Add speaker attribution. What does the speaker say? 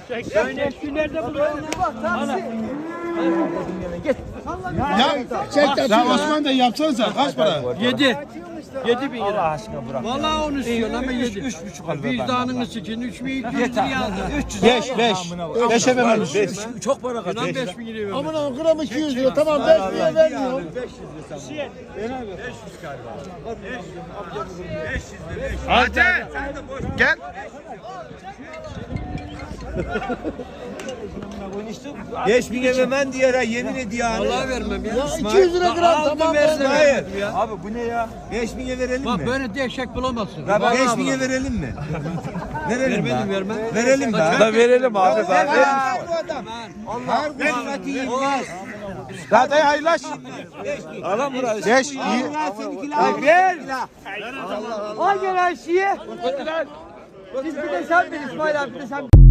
Speaker 1: Nerede buluyorsun?
Speaker 2: Ya Osman da yapsanıza kaç para?
Speaker 1: 7. 7 bin lira.
Speaker 3: Allah aşkına bırak.
Speaker 1: Vallahi onu istiyorsun ama 7.
Speaker 3: 3,5 al.
Speaker 1: Vicdanını sikin 3200 liraya aldın.
Speaker 2: 5 efendim. 5.
Speaker 3: Çok para kaç.
Speaker 1: Lan 5 bin liraya
Speaker 2: Aman aman gram 200 lira tamam 5 lira vermiyor.
Speaker 4: Hadi. Gel.
Speaker 3: Beş bin vermem diye yemin ediyor.
Speaker 1: Vallahi vermem ya.
Speaker 2: Ya 200 lira gram tamam
Speaker 1: versin.
Speaker 3: Hayır. Abi bu ne ya? 5.000'e verelim
Speaker 1: Bak
Speaker 3: mi?
Speaker 1: böyle dehşek bulamazsın.
Speaker 3: Ya
Speaker 1: Vallahi
Speaker 3: 5.000'e verelim mi? Verelim
Speaker 1: Vermedim,
Speaker 3: be.
Speaker 1: vermem.
Speaker 3: Verelim be.
Speaker 1: Da
Speaker 3: verelim abi.
Speaker 4: Her gün Zaten hayırlaş.
Speaker 3: Alan burası.
Speaker 4: 5 iyi.
Speaker 3: Ver.
Speaker 5: Al gel her şeyi. Biz bir de sen bil İsmail abi bir de sen.